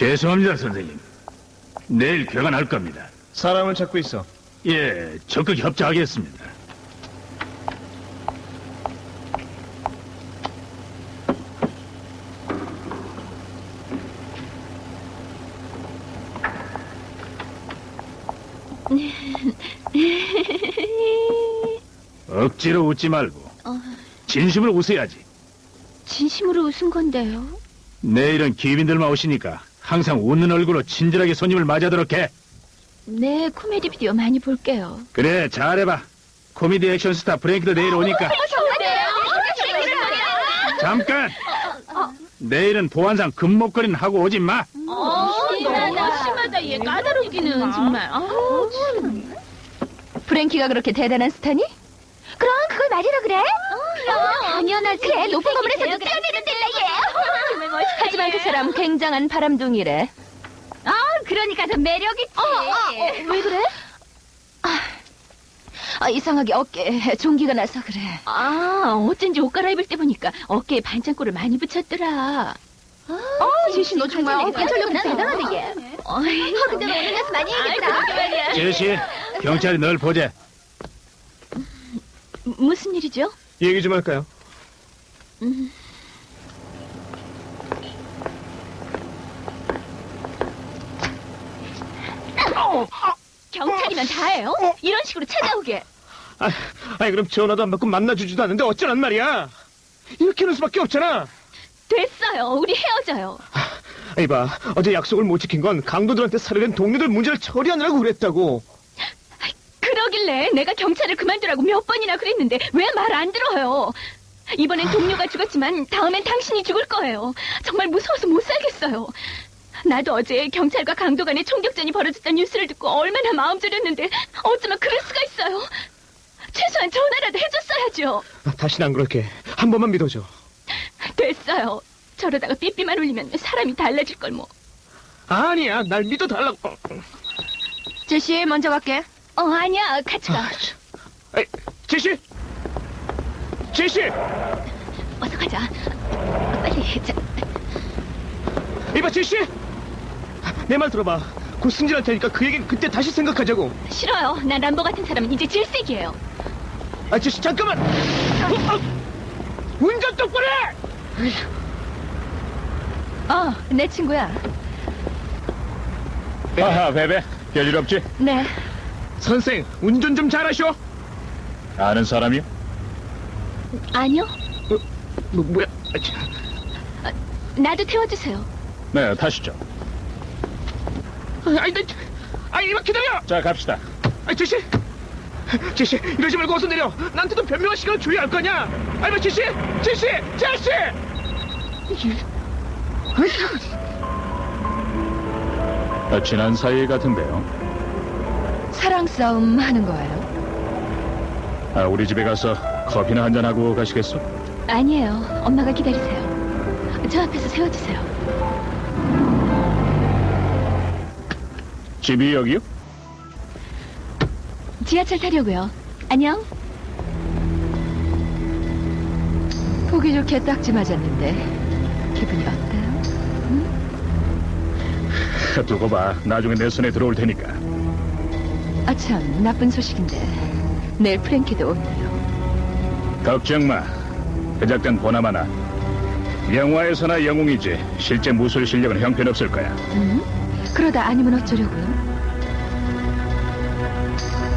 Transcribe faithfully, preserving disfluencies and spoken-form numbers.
죄송합니다, 선생님. 내일 괴가 날 겁니다. 사람을 찾고 있어. 예, 적극 협조하겠습니다. 억지로 웃지 말고 어, 진심으로 웃어야지. 진심으로 웃은 건데요. 내일은 기빈들만 오시니까 항상 웃는 얼굴로 친절하게 손님을 맞아도록 해. 네, 코미디 비디오 많이 볼게요. 그래, 잘해봐. 코미디 액션 스타 프랭키도 내일 오니까. 잠깐! 내일은 보안상 금목걸이는 하고 오지 마. 어, 심하다, 심하다. 얘 까다롭기는 정말. 아우, 참. 프랭키가 그렇게 대단한 스타니? 그럼 그걸 말이라 그래? 어, 당연하지. 그래, 높은 건물에서도 뛰어내는데 얘. 하지만 그 사람 굉장한 바람둥이래. 아, 그러니까 더 매력있지. 어, 어, 어, 왜 그래? 아, 아, 이상하게 어깨에 종기가 나서 그래. 아, 어쩐지 옷 갈아입을 때 보니까 어깨에 반창고를 많이 붙였더라. 어, 제시 너 정말 어, 관절력 대단하네 얘. 어, 근데 오늘 가서 많이 얘기했더라. 제시, 경찰이 널 보재. 무슨 일이죠? 얘기 좀 할까요? 음. 어, 경찰이면 다예요? 이런 식으로 찾아오게. 아, 아니 그럼 전화도 안 받고 만나주지도 않는데 어쩌란 말이야? 이렇게 하는 수밖에 없잖아. 됐어요. 우리 헤어져요. 아니 봐, 어제 약속을 못 지킨 건 강도들한테 살해된 동료들 문제를 처리하느라고 그랬다고. 그러길래 내가 경찰을 그만두라고 몇 번이나 그랬는데 왜 말 안 들어요? 이번엔 동료가 죽었지만 다음엔 당신이 죽을 거예요. 정말 무서워서 못 살겠어요. 나도 어제 경찰과 강도 간의 총격전이 벌어졌다는 뉴스를 듣고 얼마나 마음 졸였는데 어쩌면 그럴 수가 있어요. 최소한 전화라도 해줬어야죠. 아, 다시는 안 그럴게. 한 번만 믿어줘. 됐어요. 저러다가 삐삐만 울리면 사람이 달라질 걸 뭐. 아니야, 날 믿어달라고. 제시 먼저 갈게. 어, 아니야. 같이 가. 아, 참. 아이, 제시! 제시! 어서 가자. 빨리. 자. 이봐, 제시! 내 말 들어봐. 곧 승진할 테니까 그 얘기는 그때 다시 생각하자고. 싫어요. 난 람보 같은 사람은 이제 질색이에요. 아, 제시, 잠깐만! 어, 어. 운전 똑바로 해! 어, 내 친구야. 아하, 베베. 별일 없지? 네. 선생, 운전 좀 잘하셔. 아는 사람이요? 아니요. 어, 뭐, 뭐야? 아, 참. 아, 나도 태워주세요. 네, 타시죠. 아이, 나, 아이, 이만 기다려! 자, 갑시다. 아이, 제시! 제시, 이러지 말고 어서 내려! 나한테도 변명할 시간을 줘야 할 거냐! 아이, 뭐, 제시! 제시! 제시! 아, 지난 사이 같은데요. 사랑 싸움 하는 거예요? 아, 우리 집에 가서 커피나 한잔하고 가시겠어? 아니에요. 엄마가 기다리세요. 저 앞에서 세워주세요. 집이 여기요? 지하철 타려고요. 안녕. 보기 좋게 딱지 맞았는데 기분이 어때요? 응? 두고 봐. 나중에 내 손에 들어올 테니까. 아참, 나쁜 소식인데 내일 프랭키도 오네요. 걱정 마. 그 작전 보나마나. 영화에서나 영웅이지 실제 무술 실력은 형편없을 거야. 응? 그러다 아니면 어쩌려고요?